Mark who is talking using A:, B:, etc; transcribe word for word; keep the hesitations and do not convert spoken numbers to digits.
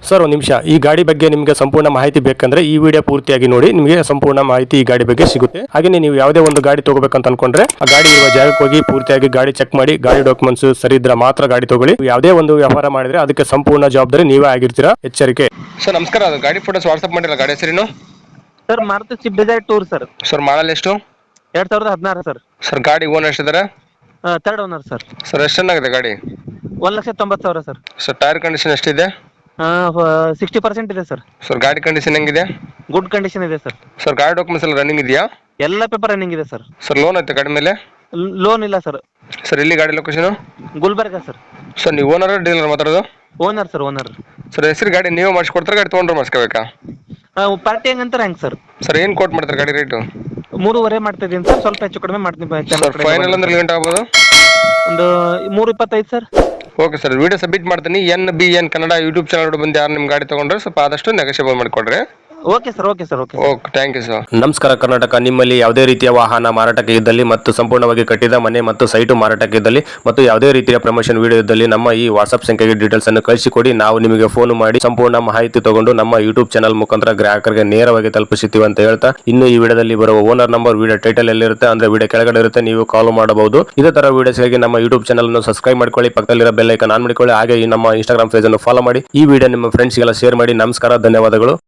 A: Sir ಒಂದು ನಿಮಿಷ, ಈ ಗಾಡಿ ಬಗ್ಗೆ ನಿಮಗೆ ಸಂಪೂರ್ಣ ಮಾಹಿತಿ ಬೇಕಂದ್ರೆ ಈ ವಿಡಿಯೋ ಪೂರ್ತಿಯಾಗಿ ನೋಡಿ, ನಿಮಗೆ ಸಂಪೂರ್ಣ ಮಾಹಿತಿ ಈ ಗಾಡಿ ಬಗ್ಗೆ ಸಿಗುತ್ತೆ. ಹಾಗೆ ನೀವು ಯಾವುದೇ ಒಂದು ಗಾಡಿ ತಗೋಬೇಕಂತ ಅನ್ಕೊಂಡ್ರೆ ಆ ಗಾಡಿ ಇರುವ ಜಾಗಕ್ಕೆ ಹೋಗಿ ಪೂರ್ತಿಯಾಗಿ ಗಾಡಿ ಚೆಕ್ ಮಾಡಿ, ಗಾಡಿ ಡಾಕ್ಯುಮೆಂಟ್ಸ್ ಸರಿ ಇದ್ರೆ ಮಾತ್ರ ಗಾಡಿ ತಗೊಳ್ಳಿ. ಯಾವುದೇ ಒಂದು ವ್ಯವಹಾರ ಮಾಡಿದ್ರೆ ಅದಕ್ಕೆ ಸಂಪೂರ್ಣ ಜವಾಬ್ದಾರಿ ನೀವೇ ಆಗಿರ್ತೀರಾ, ಎಚ್ಚರಿಕೆ. ಸರ್ ನಮಸ್ಕಾರ, ಅದು ಗಾಡಿ ಫೋಟೋಸ್ ವಾಟ್ಸ್ಆಪ್ ಮಾಡಿಲ್ಲ, ಗಾಡಿ ಹೆಸರೇನು?
B: Sir Maruti Swift Dzire tour sir.
A: Sir model ಎಷ್ಟು?
B: ಎರಡ್ ಸಾವಿರದ ಹದಿನಾರು ಸರ್.
A: ಸರ್ ಗಾಡಿ ಓನರ್ ಎಷ್ಟಿದ್ದಾರೆ?
B: Third owner sir.
A: ಸರ್ ಎಷ್ಟು ಚೆನ್ನಾಗಿದೆ ಗಾಡಿ?
B: ಒಂದ್ ಲಕ್ಷ ತೊಂಬತ್ತು ಸಾವಿರ ಸರ್.
A: ಸರ್ ಟೈರ್ ಕಂಡೀಷನ್ ಎಷ್ಟಿದೆ?
B: ಸಿಕ್ಸ್ಟಿ ಪರ್ಸೆಂಟ್ ಇದೆ ಸರ್.
A: ಸರ್ ಗಾಡಿ ಕಂಡೀಷನ್ ಹೆಂಗಿದೆ?
B: ಗುಡ್ ಕಂಡೀಷನ್ ಇದೆ ಸರ್.
A: ಸರ್ ಗಾಡಿ ಡಾಕ್ಯುಮೆಂಟ್ಸ್ ಎಲ್ಲ ರನ್ನಿಂಗ್ ಇದೆಯಾ?
B: ಎಲ್ಲ ಪೇಪರ್ ರನ್ನಿಂಗ್ ಇದೆ ಸರ್.
A: ಸರ್ ಲೋನ್ ಐತೆ ಗಾಡಿ ಮೇಲೆ?
B: ಲೋನ್ ಇಲ್ಲ ಸರ್.
A: ಸರ್ ಎಲ್ಲಿ ಗಾಡಿ ಲೊಕೇಶನ್?
B: ಗುಲ್ಬರ್ಗ ಸರ್.
A: ಸರ್ ನೀವು ಓನರ್ ಡೀಲರ್ ಮಾತಾಡೋದು?
B: Owner sir, owner.
A: ಸರ್ ಹೆಸರು ಗಾಡಿ ನೀವು ಮಾಡಿಸ್ಕೊಡ್ತಾರೆ, ಗಾಡಿ ತೊಗೊಂಡ್ರೆ ಮಾಡಿಸ್ಕೋಬೇಕಾ?
B: ಪಾರ್ಟಿ ಹೆಂಗಂತಾರೆ ಹೆಂಗ್ ಸರ್?
A: ಸರ್ ಏನು ಕೋಟ್ ಮಾಡ್ತಾರೆ ಗಾಡಿ ರೇಟು?
B: ಮೂರುವರೆ ಮಾಡ್ತಾ ಇದೀನಿ ಸರ್, ಸ್ವಲ್ಪ ಹೆಚ್ಚು ಕಡಿಮೆ ಮಾಡ್ತೀನಿ.
A: ಸರ್ ಫೈನಲ್ ಅಂದ್ರೆ ಲಿಮಿಟ್ ಆಗ್ಬೋದು?
B: ಒಂದು ಮೂರು ಇಪ್ಪತ್ತೈದು ಸರ್.
A: ಓಕೆ ಸರ್, ವಿಡಿಯೋ ಸಬ್ಮಿಟ್ ಮಾಡ್ತೀನಿ. N B N Kannada YouTube channel ಬಂದು ಯಾರು ನಿಮ್ಮ ಗಾಡಿ ತೊಗೊಂಡ್ರೆ ಸ್ವಲ್ಪ ಆದಷ್ಟು ನೆಗೋಷಿಯೇಬಲ್ ಮಾಡಿಕೊಡ್ರಿ.
B: Okay sir, okay sir, okay.
A: Okay, thank you sir. ನಮಸ್ಕಾರ ಕರ್ನಾಟಕ. ನಿಮ್ಮಲ್ಲಿ ಯಾವುದೇ ರೀತಿಯ ವಾಹನ ಮಾರಾಟಕ್ಕೆ ಇದ್ದಲ್ಲಿ ಮತ್ತು ಸಂಪೂರ್ಣವಾಗಿ ಕಟ್ಟಿದ ಮನೆ ಮತ್ತು ಸೈಟು ಮಾರಾಟಕ್ಕೆ ಇದ್ದಲ್ಲಿ ಮತ್ತು ಯಾವುದೇ ರೀತಿಯ ಪ್ರಮೋಷನ್ ವಿಡಿಯೋ ಇದ್ದಲ್ಲಿ ನಮ್ಮ ಈ ವಾಟ್ಸ್ಆಪ್ ಸಂಖ್ಯೆಗೆ ಡೀಟೇಲ್ಸ್ ಅನ್ನು ಕಳಿಸಿಕೊಡಿ. ನಾವು ನಿಮಗೆ ಫೋನ್ ಮಾಡಿ ಸಂಪೂರ್ಣ ಮಾಹಿತಿ ತಗೊಂಡು ನಮ್ಮ ಯೂಟ್ಯೂಬ್ ಚಾನಲ್ ಮುಖಾಂತರ ಗ್ರಾಹಕರಿಗೆ ನೇರವಾಗಿ ತಲುಪಿಸುತ್ತೀವಿ ಅಂತ ಹೇಳ್ತಾ, ಇನ್ನು ಈ ವಿಡಿಯೋದಲ್ಲಿ ಬರುವ ಓನರ್ ನಂಬರ್ ವಿಡಿಯೋ ಟೈಟಲ್ ಎಲ್ಲಿರುತ್ತೆ ಅಂದ್ರೆ ವಿಡಿಯೋ ಕೆಳಗಡೆ ಇರುತ್ತೆ, ನೀವು ಕಾಲ್ ಮಾಡಬಹುದು. ಇದೇ ತರ ವಿಡಿಯೋಸ್ಗಾಗಿ ನಮ್ಮ ಯೂಟ್ಯೂಬ್ ಚಾನಲ್ ಅನ್ನು ಸಬ್ಸ್ಕ್ರೈಬ್ ಮಾಡ್ಕೊಳ್ಳಿ, ಪಕ್ಕದಲ್ಲಿರೋ ಬೆಲ್ ಐಕಾನ್ ಆನ್ ಮಾಡಿಕೊಳ್ಳಿ. ಹಾಗೆ ಈ ನಮ್ಮ ಇನ್ಸ್ಟಾಗ್ರಾಮ್ ಪೇಜ್ ಅನ್ನು ಫಾಲೋ ಮಾಡಿ. ಈ ವಿಡಿಯೋ ನಿಮ್ಮ ಫ್ರೆಂಡ್ಸ್ಗೆಲ್ಲ ಶೇರ್ ಮಾಡಿ. ನಮಸ್ಕಾರ, ಧನ್ಯವಾದಗಳು.